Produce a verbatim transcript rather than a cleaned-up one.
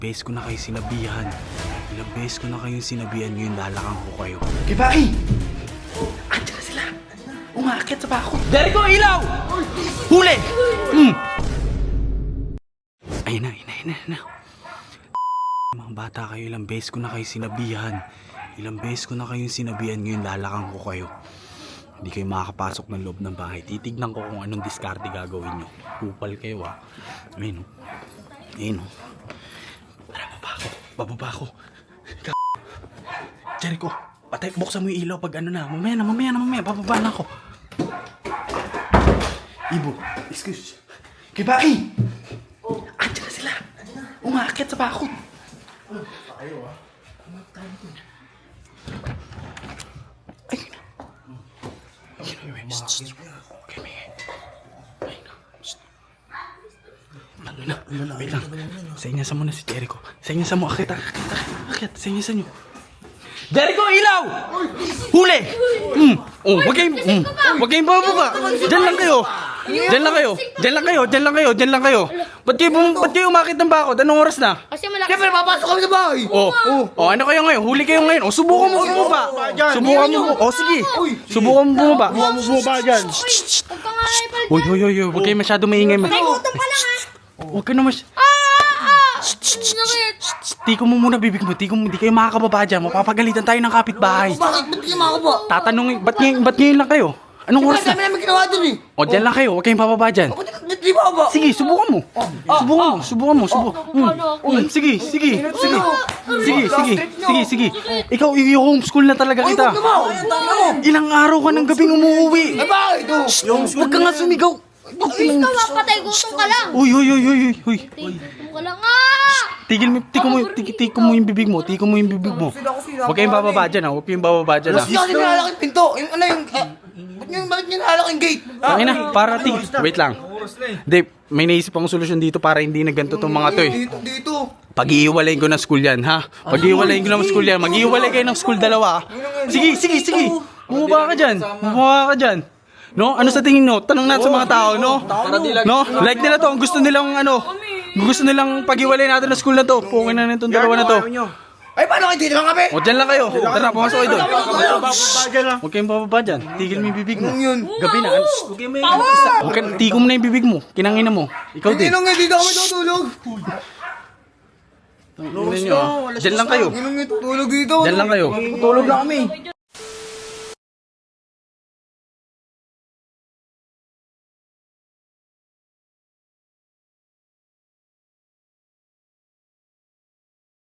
Beses ko na kayo sinabihan. Ilang beses ko na kayong sinabihan, ngayon lalakang ko kayo. Kibaki! Andiyan na sila! Umakit sa bako! Jericho, ilaw! Huli! Mm. Ayun na, ayun na, ayun na, ayun na. Mga bata kayo, ilang beses ko na kayo sinabihan. Ilang beses ko na kayong sinabihan, ngayon lalakang ko kayo. Hindi kayo makakapasok ng loob ng bahay. Titignan ko kung anong diskarte gagawin nyo. Kupal kayo ah. Ayun o. Ayun o. Tara, baba ako. Bababa ako. Jericho, patay, buksan mo yung ilaw pag ano na. Mamaya na, mamaya na, mamaya. Bababa na ako. Ibo, excuse. Kibaki! Andiyan na sila! Umakit sa bako! Ayaw ah. Ayun na. Ayun na. Okay, may. Ayun na. Ano na? Wait lang. Sainyasan mo na si Jericho. Sainyasan mo. Akit, akit, akit. Akit, sainyasan nyo. Jericho, ilaw! Huli! Mm. Oh, wag kayong, mm. Wag kayong bababa. Diyan lang kayo. Diyan lang kayo. Diyan lang kayo. Diyan lang kayo. Diyan lang kayo. Ba't kayo, bum- ba't kayo umakit ng bakod? Anong oras na? Kasi malaki. Siyempre, papasok kami sa bahay! Oh, oh, oh, ano kayo ngayon? Huli kayo ngayon. Oh, subukan mo bumaba. Subukan mo. Oh, sige. Subukan mo bumaba. Buha mo bumaba dyan! Huwag ka nga ipal. Uy, uy, uy, uy. Huwag kayo masyado maingay. Ma- Ay, gutom pa lang ha. Huwag ka na mas... Ah! Ah! Sakit. Tiko mo muna bibig mo. Tiko mo. Hindi kayo makakababa dyan. Mapapagalitan tayo ng kapitbahay. Bakit? Ba't kayo makakaba? Tatanungin, ba't ngayon, ba't ngayon lang kayo? Anong oras Dami na? namin ginawa dun eh! O, dyan lang kayo. Huwag kayong bababa dyan. Ba't di ba ba? Sige, subukan mo. Subukan mo, subukan mo, subukan. Mm. Mm, sige, sige, sige. Sige, sige, sige, sige. Ikaw, i-homeschool na talaga Ay, kita. huwag naman! Ay, ang dami mo! Ilang araw ka ng gabing umuwi. Ay, bakit? Oh. Huwag ka nga sumigaw. Please ka mapatay. Gutom ka lang. Uy, uy, uy, uy, uy, uy. Gutom ka lang ah! Tigil mo, tiko mo, tiko, tiko mo yung bibig mo, tiko mo yung bibig mo. Huwag kayong bababa dyan, ha. Huwag kayong bababa dyan, ha. Hindi kasi nilalak yung pinto! Yung ano yung... ah, Ba't nyo, bakit nyo nilalak yung gate? Tangin na, para tigil. Wait lang. Dave, may naisip akong solusyon dito para hindi na ganito tong mga to, eh. Dito, dito! Pag-iiwalayin ko ng school yan, ha? Pag-iiwalayin ko ng school yan. Mag-iiwalay kayo ng school dalawa, ha? Sige, sige, sige. Bumaba ka dyan. Bumaba ka dyan. No? Ano sa tingin nyo? Tanong natin sa mga tao, no? No? Like nila to. Ang gusto nilang, ano, gusto nilang pag-iwalay natin ng school na to. Pungin na nitong dalawa na to. Ay, paano kayo dito lang kami? O, dyan lang kayo. Tara, pumasok kayo doon. Huwag kayong bababa dyan. Tigil mo yung bibig mo. Yun. Gabi na. Huwag kayong may... Huwag ka, tigil mo na yung bibig mo. Kinangina mo. Ikaw din. Inong nga, dito kami tutulog! Tingnan nyo, ah. Dyan lang kayo. Inong nga tutulog dito! Dyan lang kayo. Tutulog lang kami!